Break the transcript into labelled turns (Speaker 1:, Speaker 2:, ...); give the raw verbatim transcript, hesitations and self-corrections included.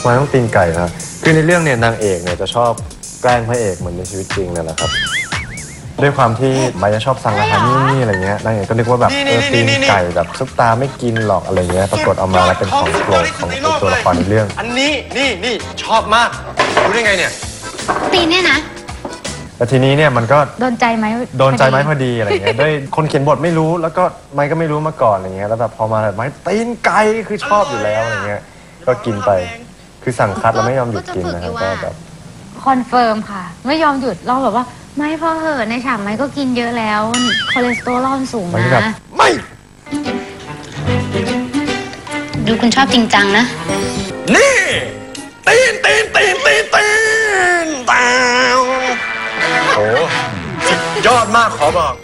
Speaker 1: ทำไมต้องตีนไก่ครับคือในเรื่องเนี่ยนางเอกเนี่ยจะชอบแกล้งพระเอกเหมือนในชีวิตจริงนั่นแหละครับด้วยความที่ไม้จะชอบสั่งอาหารนี่อะไรเงี้ยนางเอกก็นึกว่าแบบเออตีนไก่แบบซุปตาไม่กินหรอกอะไรเงี้ยปรากฏเอามาแล้วเป็นของโปรดของตัวละครในเรื่อง
Speaker 2: อันนี้นี่นี่ชอบมากรู้ได้ไงเนี่ย
Speaker 3: ตีนเนี่ยนะ
Speaker 1: แต่ทีนี้เนี่ยมันก็
Speaker 3: โดนใจไหม
Speaker 1: โดนใจไม้พอดีอะไรเงี้ยด้วยคนเขียนบทไม่รู้แล้วก็ไม้ก็ไม่รู้มาก่อนอะไรเงี้ยแล้วแบบพอมาแบบไม้ตีนไก่คือชอบอยู่แล้วอะไรเงี้ยก็กินไปคือสั่งคัดแล้วไม่ยอมหยุดกินนะครับก็แบบ
Speaker 3: คอนเฟิร์มค่ะไม่ยอมหยุดเราแบบว่าไม่พอเหอะในฉากไม่ก็กินเยอะแล้วคอเลสเตอรอลสูงนะ
Speaker 2: ไม่
Speaker 3: ดูคุณชอบจริงจังนะ
Speaker 2: นี่ตีนตีนตีนตีนตีนตาวโอ้สุดยอดมากขอบอก